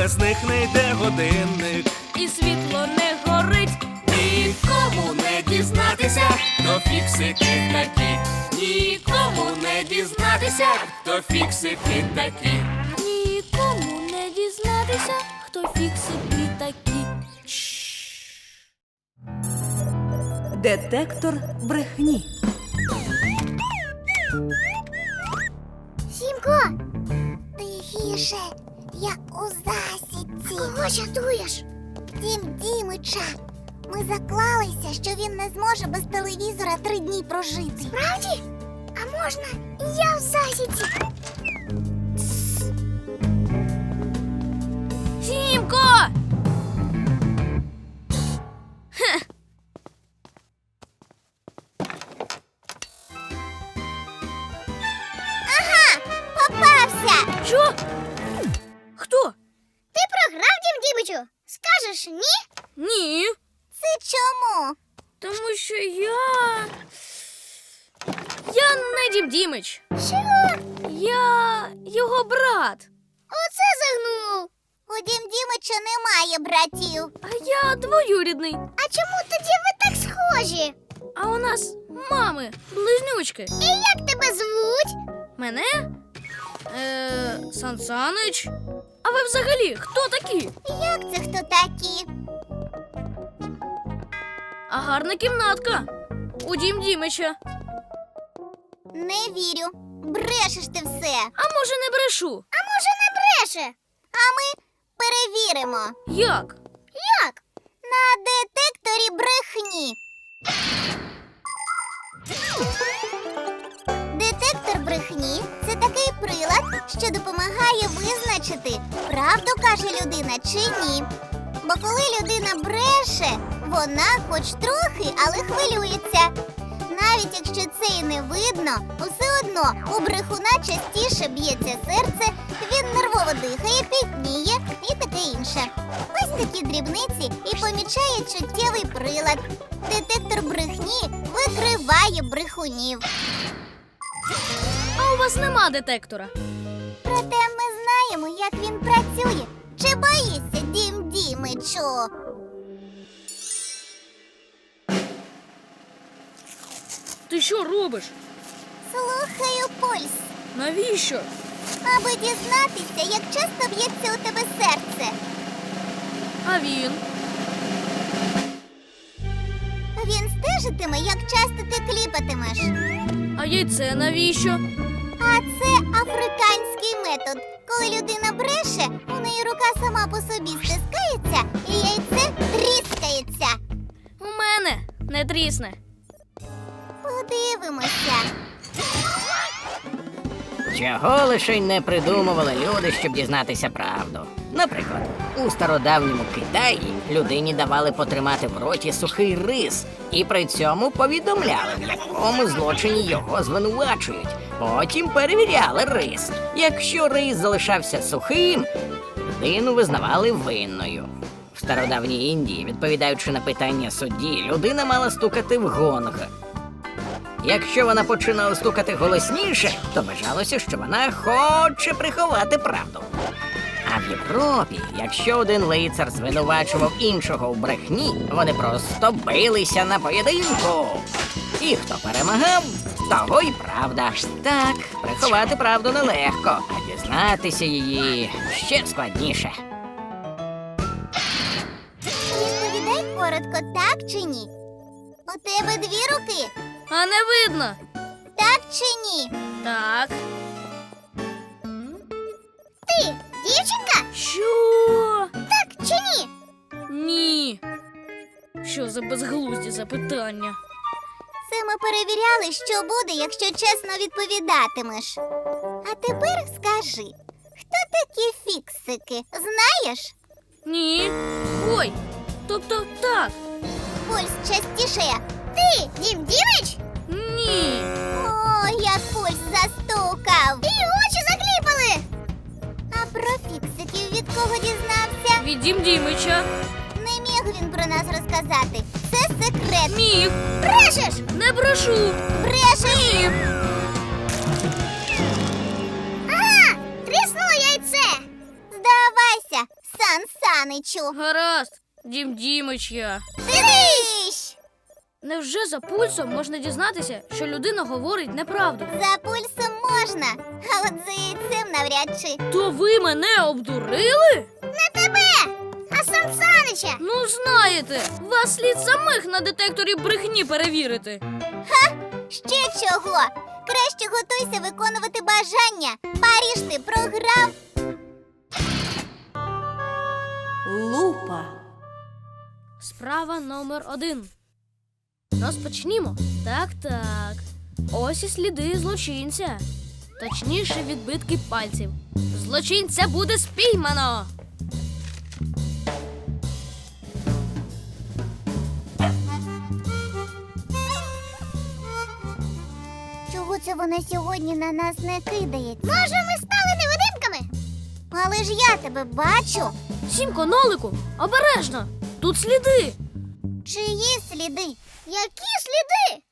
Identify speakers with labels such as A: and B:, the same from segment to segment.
A: без них не йде годинник.
B: І світло не горить.
A: Нікому не дізнатися, хто фіксики такі. Нікому не дізнатися, хто фіксики такі.
B: Нікому не дізнатися, хто фіксики такі.
C: Детектор брехні.
D: Сімко, тихіше, я у засідці. Кого чатуєш? Дім Дімича. Ми заклалися, що він не зможе без телевізора 3 дні прожити. Справді? А можна я в засідці?
B: Сімко!
D: Ага, попався!
B: Що? Хто?
D: Ти програв, Дім Дімичу? Скажеш ні?
B: Ні.
D: Це чому?
B: Тому що я не Дім Дімич.
D: Чого?
B: Я його брат.
D: Оце загнув. У Дім Дімича немає братів.
B: А я двоюрідний.
D: А чому тоді ви так схожі?
B: А у нас мами близнючки.
D: І як тебе звуть?
B: Мене? Сан Санич. А ви взагалі хто такі?
D: Як це хто такі?
B: А гарна кімнатка у Дім Дімича.
D: Не вірю. Брешеш ти все.
B: А може не брешу?
D: А може не бреше? А ми перевіримо.
B: Як?
D: Як? На детекторі брехні. Детектор брехні – це такий прилад, що допомагає визначити, правду каже людина чи ні. Бо коли людина бреше, вона хоч трохи, але хвилюється. Навіть якщо це і не видно, все одно у брехуна частіше б'ється серце, він нервово дихає, пітніє і таке інше. Ось такі дрібниці і помічає чуттєвий прилад. Детектор брехні викриває брехунів.
B: А у вас нема детектора?
D: Проте ми знаємо, як він працює. Чи боїшся, Дім Дімичу?
B: Ти що робиш?
D: Слухаю пульс,
B: Навіщо?
D: аби дізнатися, як часто б'ється у тебе серце.
B: А він?
D: Він стежитиме, як часто ти кліпатимеш.
B: А яйце навіщо?
D: А це африканський метод. Коли людина бреше, у неї рука сама по собі стискається і яйце тріскається.
B: У мене не трісне.
D: Подивимося.
E: Чого лише й не придумували люди, щоб дізнатися правду. Наприклад, у стародавньому Китаї людині давали потримати в роті сухий рис і при цьому повідомляли, в якому злочині його звинувачують. Потім перевіряли рис. Якщо рис залишався сухим, людину визнавали винною. В стародавній Індії, відповідаючи на питання судді, людина мала стукати в гонг. Якщо вона починала стукати голосніше, то вважалося, що вона хоче приховати правду. А в Європі, якщо один лицар звинувачував іншого в брехні, вони просто билися на поєдинку. І хто перемагав, того й правда. Так, приховати правду нелегко, а дізнатися її ще складніше.
D: Відповідай коротко, так чи ні? У тебе 2 руки,
B: А не видно.
D: так чи ні?
B: Так.
D: Ти, дівчинка,
B: Що?
D: так чи ні?
B: Ні. Що за безглузді запитання?
D: Це ми перевіряли, що буде, якщо чесно відповідатимеш. А тепер скажи, хто такі фіксики, знаєш?
B: Ні. Ой. Тобто так.
D: Пульс частішає. Ти, Дім Дімич?
B: Ні.
D: О, як пульс застукав. І очі закліпали. А про фіксиків від кого дізнався?
B: Від Дім Дімича.
D: Не міг він про нас розказати. Це секрет.
B: Міг.
D: Брешеш!
B: Не брешу.
D: Брешеш!
B: Ні.
D: Ага! Тріснуло яйце! Здавайся! Саничу.
B: Гаразд, Дім Дімич я.
D: Дивись!
B: Невже за пульсом можна дізнатися, що людина говорить неправду?
D: За пульсом можна, а от за яйцем навряд чи.
B: То ви мене обдурили?
D: Не тебе, а сам Санича.
B: Ну, знаєте, вас слід самих на детекторі брехні перевірити.
D: Ще чого? Краще готуйся виконувати бажання. Паріж ти програв.
C: Лупа.
B: Справа номер 1. Розпочнімо. Так. Ось і сліди злочинця. Точніше, відбитки пальців. Злочинця буде спіймано.
D: Чого це вона сьогодні на нас не кидається? Може, ми стали невидимками? Але ж я тебе бачу.
B: Сімко, нолику, обережно. Тут сліди.
D: Чиї сліди? Які сліди?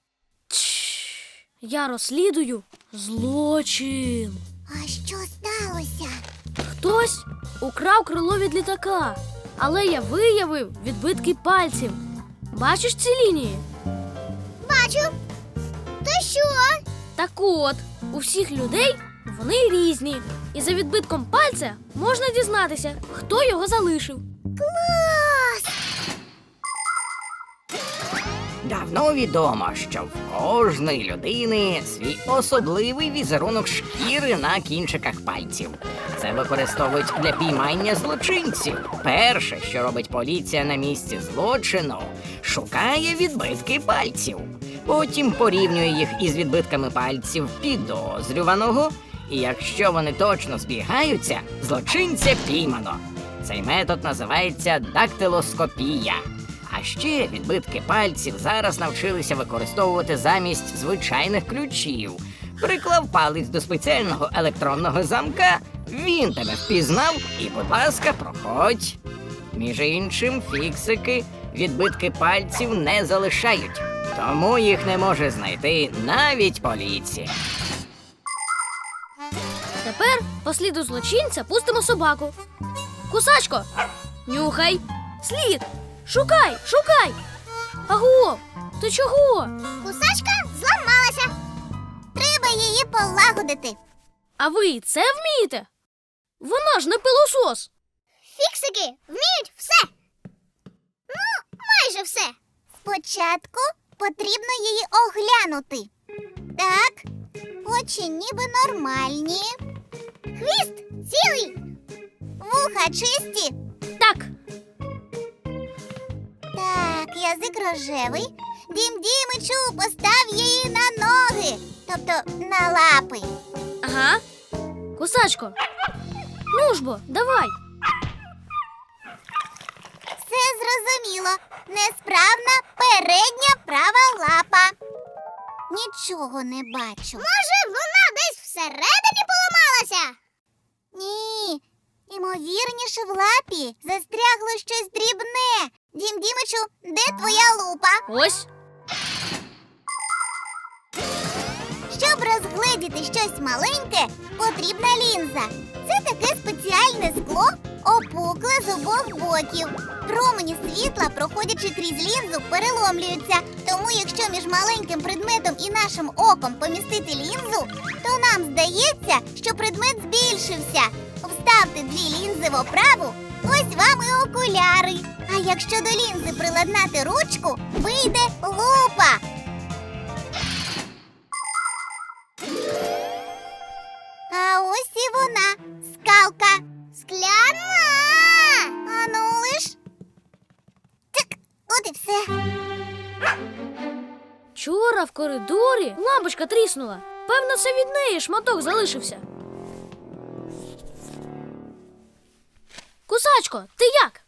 B: Я розслідую злочин.
D: А що сталося?
B: Хтось украв крило від літака, але я виявив відбитки пальців. Бачиш ці лінії?
D: Бачу. То що?
B: Так от, у всіх людей вони різні. І за відбитком пальця можна дізнатися, хто його залишив.
D: Клас!
E: Давно відомо, що в кожної людини свій особливий візерунок шкіри на кінчиках пальців. Це використовують для піймання злочинців. Перше, що робить поліція на місці злочину, шукає відбитки пальців. Потім порівнює їх із відбитками пальців підозрюваного, і якщо вони точно збігаються, злочинця піймано. Цей метод називається дактилоскопія. А ще відбитки пальців зараз навчилися використовувати замість звичайних ключів. Приклав палець до спеціального електронного замка, він тебе впізнав і, будь ласка, проходь. Між іншим, фіксики відбитки пальців не залишають, тому їх не може знайти навіть поліція.
B: Тепер по сліду злочинця пустимо собаку. Кусачко, нюхай. Слід. Шукай. Аго, ти чого?
D: Кусачка зламалася. Треба її полагодити.
B: А ви і це вмієте? Вона ж не пилосос.
D: Фіксики вміють все. Ну, майже все. Спочатку потрібно її оглянути. Так, очі ніби нормальні. Хвіст цілий. Вуха чисті.
B: Так,
D: Так, язик рожевий. Дім Дімичу, постав її на ноги. Тобто на лапи.
B: ага. Кусачко, ну ж бо, давай.
D: Все зрозуміло. Несправна передня права лапа. Нічого не бачу. Може, вона десь всередині поламалася? Ні. Імовірніше, в лапі застрягло щось дрібне. Дім Дімичу, де твоя лупа?
B: Ось.
D: Щоб розгледіти щось маленьке, потрібна лінза. Це таке спеціальне скло, опукле з обох боків. Промені світла, проходячи крізь лінзу, переломлюються. Тому якщо між маленьким предметом і нашим оком помістити лінзу, то нам здається, що предмет збільшився. Вставте дві лінзи в оправу, ось вам і окуляри. А якщо до лінзи приладнати ручку, вийде лупа. А ось і вона, скалка. Скляна! Ану лиш. Так, от і все.
B: Вчора в коридорі лампочка тріснула. Певно, це від неї шматок залишився. Кусачко, ти як?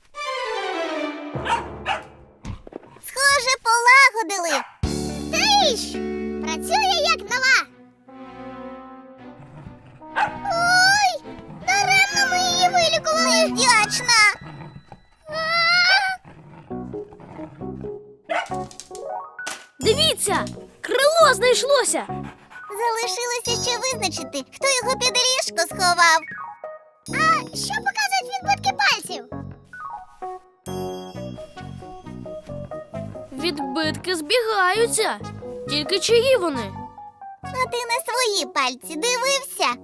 D: Схоже, полагодили. Тріщ! Працює як нова. Ой, даремно ми її вилікували. Невдячна.
B: Дивіться, крило знайшлося.
D: Залишилося ще визначити, хто його під ліжко сховав. А що показують відбитки пальців?
B: Відбитки збігаються. Тільки чиї вони?
D: А ти на свої пальці дивився?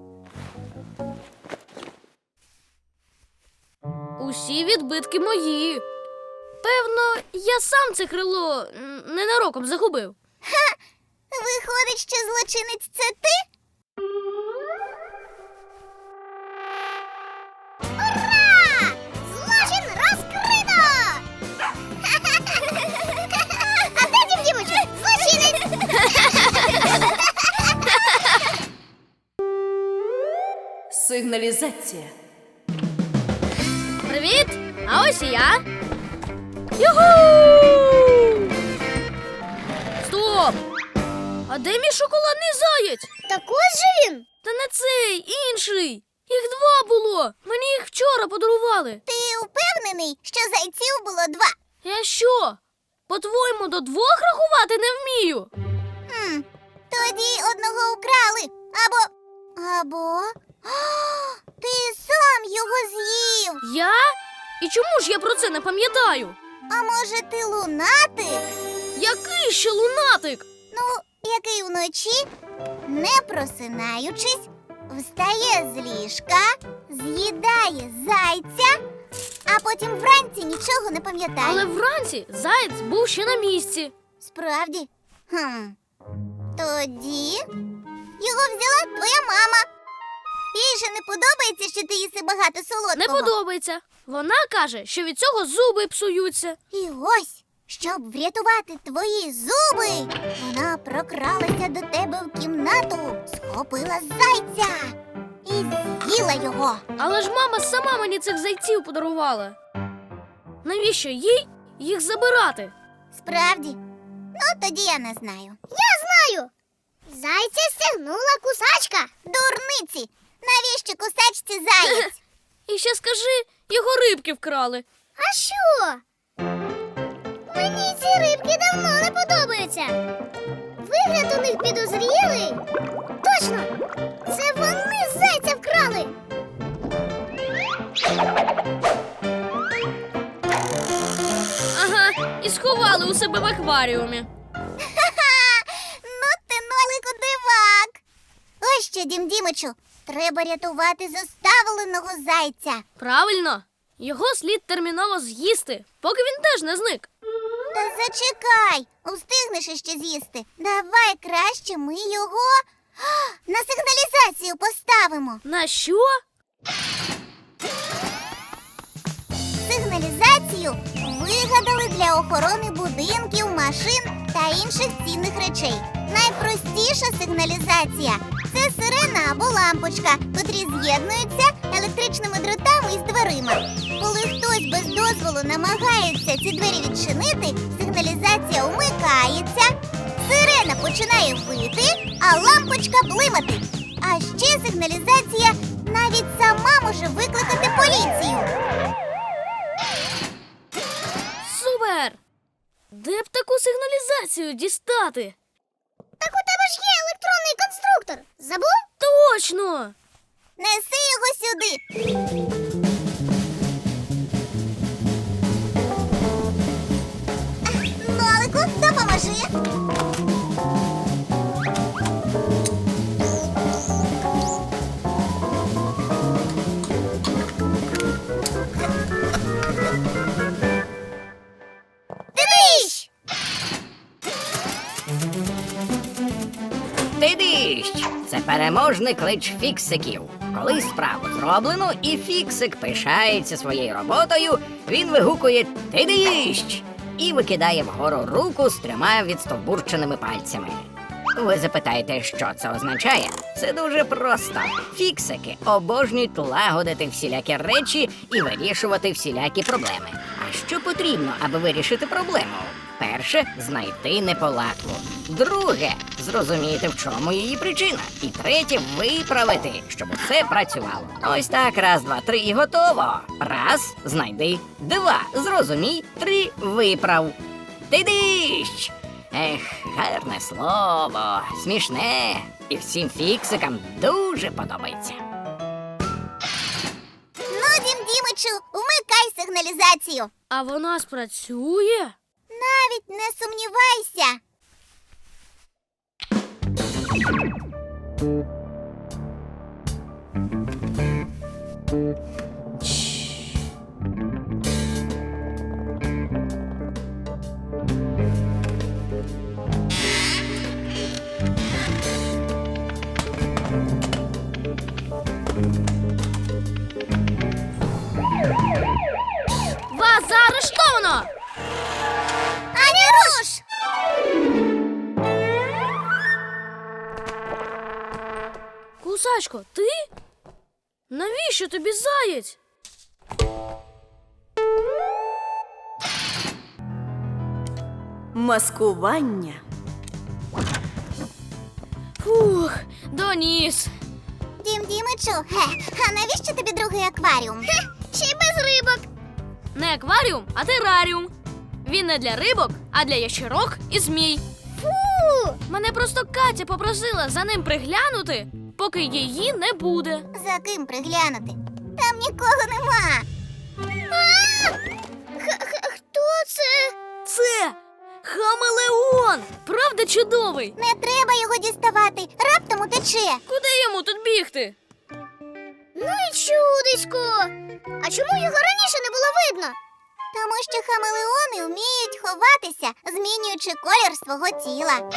B: Усі відбитки мої. Певно, я сам це крило ненароком загубив.
D: Виходить, що злочинець це ти? Ура! Злочин розкрито! А де Дім Дімичу? Злочинець!
C: Сигналізація.
B: Привіт! А ось і я. Юху! Стоп! А де мій шоколадний заєць?
D: Так ось же він!
B: Та не цей, інший. Їх два було. Мені їх вчора подарували.
D: Ти впевнений, що зайців було два?
B: Я що? По-твоєму, до двох рахувати не вмію?
D: Тоді одного украли. Або... Ти сам його з'їв.
B: Я? І чому ж я про це не пам'ятаю?
D: А може ти лунатик?
B: Який ще лунатик?
D: Ну, який вночі, не просинаючись, встає з ліжка, з'їдає зайця, а потім вранці нічого не пам'ятає.
B: Але вранці заєць був ще на місці.
D: Справді? Тоді його взяла твоя мама. Їй же не подобається, що ти їси багато солодкого.
B: Не подобається. Вона каже, що від цього зуби псуються.
D: І ось, щоб врятувати твої зуби, вона прокралася до тебе в кімнату, схопила зайця і з'їла його.
B: Але ж мама сама мені цих зайців подарувала. Навіщо їй їх забирати?
D: Справді? Ну, тоді я не знаю. Я знаю! Зайця стягнула кусачка. Дурниці! Навіщо кусачці заєць?
B: І ще скажи, його рибки вкрали.
D: А що? Мені ці рибки давно не подобаються. Вигляд у них підозрілий. Точно! Це вони зайця вкрали.
B: Ага, і сховали у себе в акваріумі.
D: Ну ти, Нолику, дивак. Ось що, Дім Дімичу, треба рятувати заставленого зайця.
B: Правильно, його слід терміново з'їсти, поки він теж не зник.
D: Та зачекай, встигнеш іще з'їсти. Давай краще ми його на сигналізацію поставимо.
B: На що?
D: Сигналізацію вигадали для охорони будинків, машин та інших цінних речей. Найпростіша сигналізація – це сирена або лампочка, котрі з'єднуються електричними дротами із дверима. Коли хтось без дозволу намагається ці двері відчинити, сигналізація умикається, сирена починає вити, а лампочка блимати. А ще сигналізація навіть сама може викликати поліцію.
B: Супер! Де б таку сигналізацію дістати?
D: Так у тебе ж є електронний конструктор. Забув?
B: Точно!
D: Неси його сюди. Нолику, допоможи. Дивись!
E: Тидищ! Це переможний клич фіксиків. Коли справу зроблено і фіксик пишається своєю роботою, він вигукує «Тидищ!» і викидає вгору руку з 3 відстовбурченими пальцями. Ви запитаєте, що це означає? Це дуже просто. Фіксики обожнюють лагодити всілякі речі і вирішувати всілякі проблеми. А що потрібно, аби вирішити проблему? Перше – знайти неполадку. Друге – зрозуміти, в чому її причина. І третє – виправити, щоб усе працювало. Ось так, 1, 2, 3 і готово. 1 – знайди. 2 – зрозумій. 3 – виправ. Тидищ! Ех, гарне слово, смішне. І всім фіксикам дуже подобається.
D: Ну, Дім Дімичу, вмикай сигналізацію.
B: А вона спрацює?
D: Навіть не сумнівайся.
B: Вас заарештовано!
D: Ані руш!
B: Кусачко, ти? Навіщо тобі заєць?
C: Маскування.
B: Фух, доніс.
D: Дім Дімичу, а навіщо тобі другий акваріум? Ще й без рибок.
B: Не акваріум, а тераріум. Він не для рибок, а для ящерок і змій.
D: Фу!
B: Мене просто Катя попросила за ним приглянути, поки її не буде.
D: За ким приглянути? Там нікого нема. Хто це?
B: Це хамелеон! Правда чудовий?
D: Не треба його діставати, раптом утече.
B: Куди йому тут бігти?
D: Ну і чудисько. А чому його раніше не було видно? Тому що хамелеони вміють ховатися, змінюючи колір свого тіла.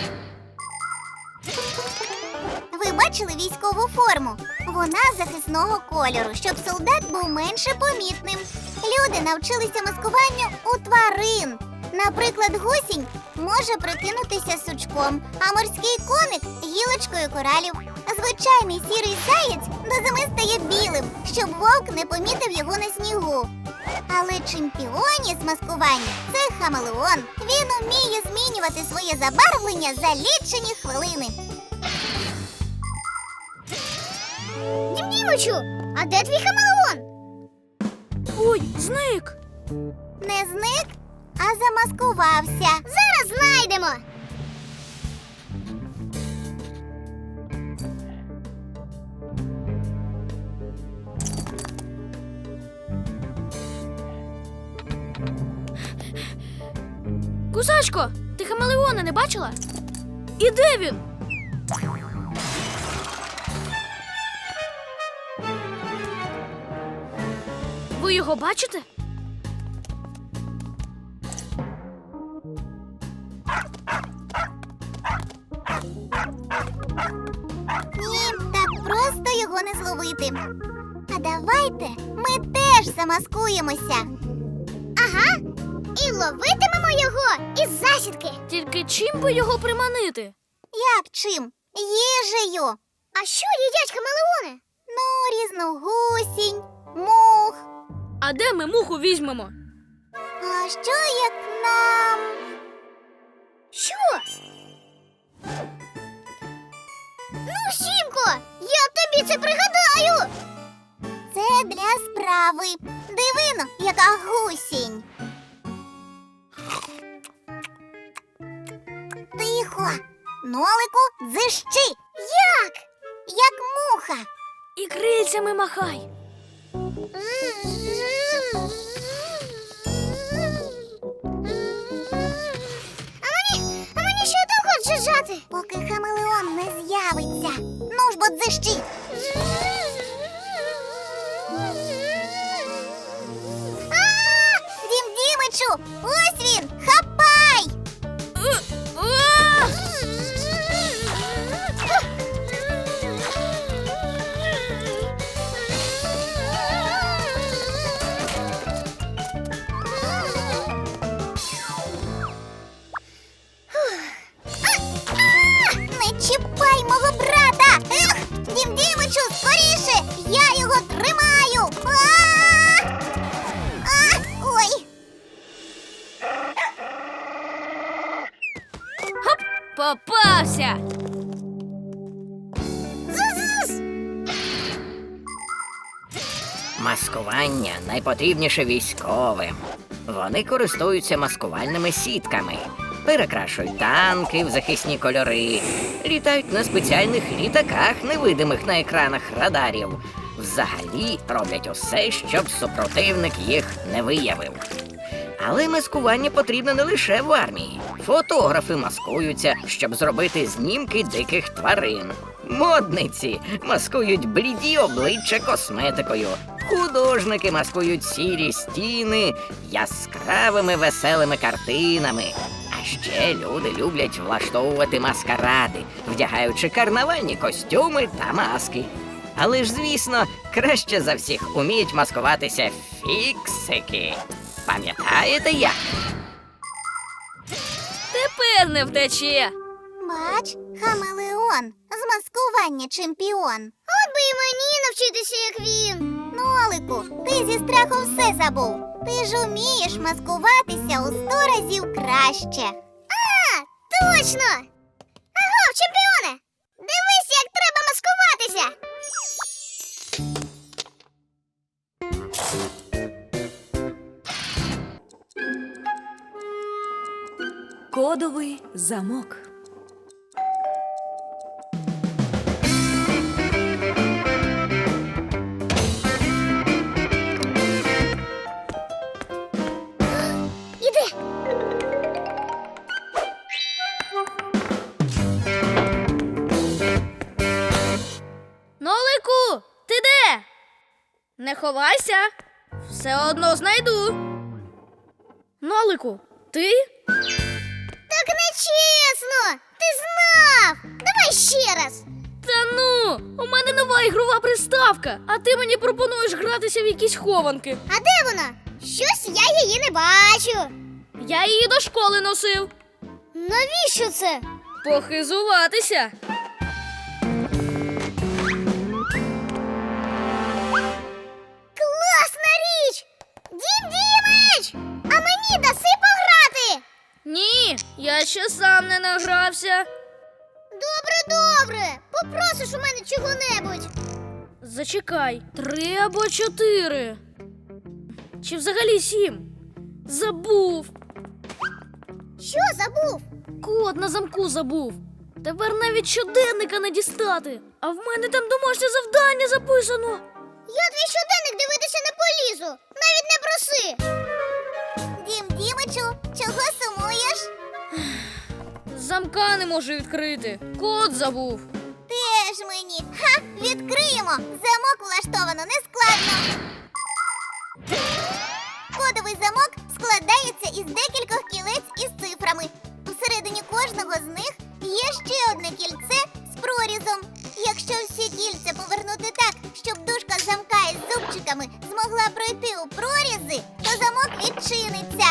D: Ви бачили військову форму? Вона захисного кольору, щоб солдат був менше помітним. Люди навчилися маскуванню у тварин. Наприклад, гусінь може прикинутися сучком, а морський коник – гілочкою коралів. Звичайний сірий заєць до зими стає білим, щоб вовк не помітив його на снігу. Але чемпіоні з маскування – це хамелеон. Він уміє змінювати своє забарвлення за лічені хвилини. Дімдімичу, а де твій хамелеон?
B: Ой, зник!
D: Не зник, а замаскувався. Зараз знайдемо.
B: Кусачко, ти хамелеона не бачила? І де він? Ви його бачите?
D: Ні, так просто його не зловити. А давайте ми теж замаскуємося. Ага, і ловитимемо його із засідки.
B: Тільки чим би його приманити?
D: Як чим? Їжею. А що їдять хамелеони? Ну, різну гусінь, мух.
B: А де ми муху візьмемо?
D: А що як нам? Що? Ну, Сімко, я тобі це пригадаю. Це для справи. Дивино, яка гусінь. Тихо. Нолику, дзищи. Як? Як муха.
B: І крильцями махай.
D: А мені ще довго джижати? Поки хамелеон не з'явиться. Ну ж бо дзищи. Дім Дімичу, ось він, хапай! Не чіпай мого брата! Ех, Дім Дімичу, скоріше! Я його тримаю! Ой!
B: Попався!
D: Зуз-зуз!
E: Маскування найпотрібніше військовим. Вони користуються маскувальними сітками, перекрашують танки в захисні кольори, літають на спеціальних літаках, невидимих на екранах радарів. Взагалі роблять усе, щоб супротивник їх не виявив. Але маскування потрібно не лише в армії. Фотографи маскуються, щоб зробити знімки диких тварин. Модниці маскують бліді обличчя косметикою. Художники маскують сірі стіни яскравими веселими картинами. А ще люди люблять влаштовувати маскаради, вдягаючи карнавальні костюми та маски. Але ж, звісно, краще за всіх уміють маскуватися фіксики. Пам'ятаєте як?
B: Тепер не втече.
D: Бач, хамелеон, з маскування чемпіон. От би і мені навчитися, як він. Нолику, ти зі страху все забув. Ти ж умієш маскуватися у 100 разів краще. А, точно! Аго, чемпіоне! Дивись, як треба маскуватися!
C: Кодовий замок.
D: Іди!
B: Нолику, ти де? Не ховайся. Все одно знайду. Нолику, ти?
D: Так нечесно! Ти знав! Давай ще раз!
B: Та ну, у мене нова ігрова приставка, а ти мені пропонуєш гратися в якісь хованки.
D: А де вона? Щось я її не бачу.
B: Я її до школи носив.
D: Навіщо це?
B: Похизуватися.
D: Класна річ! Дім Дімич! А мені даси пограти!
B: Ні, я ще сам не награвся.
D: Добре. Попросиш у мене чого-небудь.
B: Зачекай, 3 або 4. Чи взагалі 7? Забув.
D: Що забув?
B: Код на замку забув. Тепер навіть щоденника не дістати. А в мене там домашнє завдання записано.
D: Я твій щоденник дивитися не полізу. Навіть не проси. Дім Дімичу, чого сумуєш?
B: Замка не можу відкрити. Код забув.
D: Теж мені. Ха! Відкриємо! Замок влаштовано нескладно. Кодовий замок складається із декількох кілець із цифрами. Всередині кожного з них є ще одне кільце з прорізом. Якщо всі кільця повернути так, щоб дужка замка із зубчиками змогла пройти у прорізи, то замок відчиниться.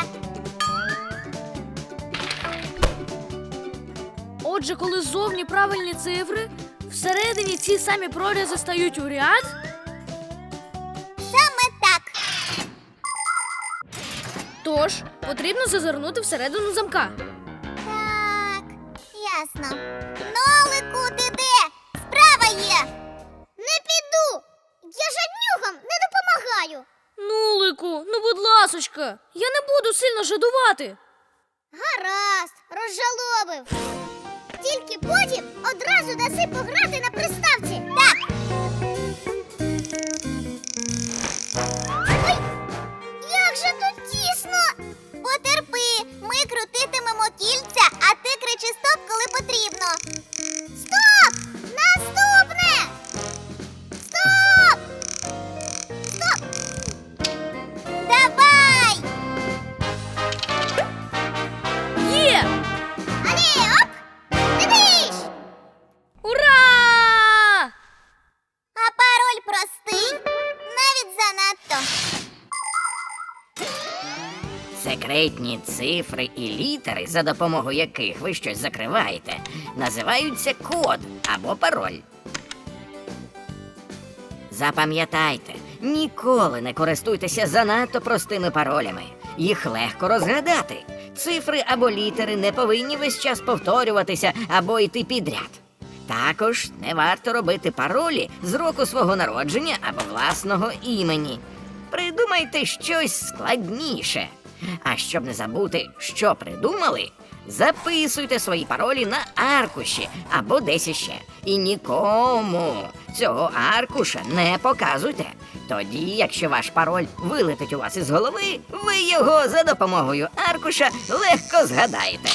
B: Отже, коли ззовні правильні цифри, всередині ці самі прорізи стають у ряд.
D: Саме так.
B: Тож, потрібно зазирнути всередину замка.
D: Так, ясно. Нолику, ти де? Справа є. Не піду. Я жаднюгам не допомагаю.
B: Нулику, ну будь ласочка, я не буду сильно жадувати.
D: Гаразд, розжалобив. Тільки потім одразу даси пограти на приставці. Так. Ой, як же тут тісно. Потерпи, ми крутитимемо кільця, а ти кричи стоп, коли потрібно. Стоп! Наступне! Стоп! Стоп! Давай!
B: Є!
D: Алі, оп! Дивись!
B: Ура!
D: А пароль простий, навіть занадто.
E: Секретні цифри і літери, за допомогою яких ви щось закриваєте, називаються код або пароль. Запам'ятайте, ніколи не користуйтеся занадто простими паролями. Їх легко розгадати. Цифри або літери не повинні весь час повторюватися або йти підряд. Також не варто робити паролі з року свого народження або власного імені. Придумайте щось складніше. А щоб не забути, що придумали, Записуйте свої паролі на аркуші або десь іще. І нікому цього аркуша не показуйте. Тоді, якщо ваш пароль вилетить у вас із голови, ви його за допомогою аркуша легко згадаєте.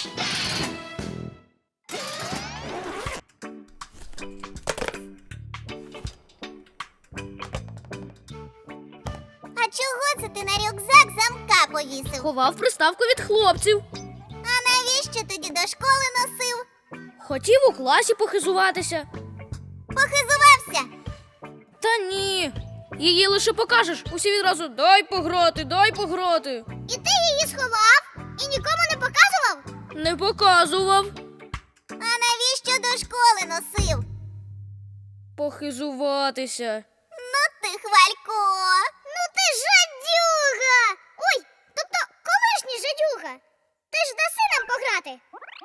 D: А чого це ти на рюкзак замка повісив?
B: Ховав приставку від хлопців.
D: А навіщо тоді до школи носив?
B: Хотів у класі похизуватися.
D: Похизувався?
B: Та ні. Її лише покажеш, усі відразу дай пограти, дай пограти.
D: І ти її сховав? І нікому не показував?
B: Не показував.
D: А навіщо до школи носив?
B: Похизуватися.
D: Ну ти, Хвалько, ну ти жадюга! Ой, тобто колишній жадюга. Ти ж даси нам пограти.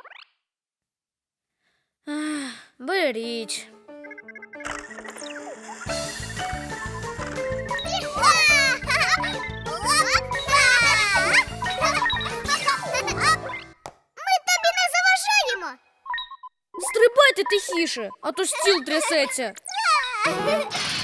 B: Ах, беріть.
D: Ми тобі не заважаємо.
B: Стрибайте тихіше, а то стіл трясеться.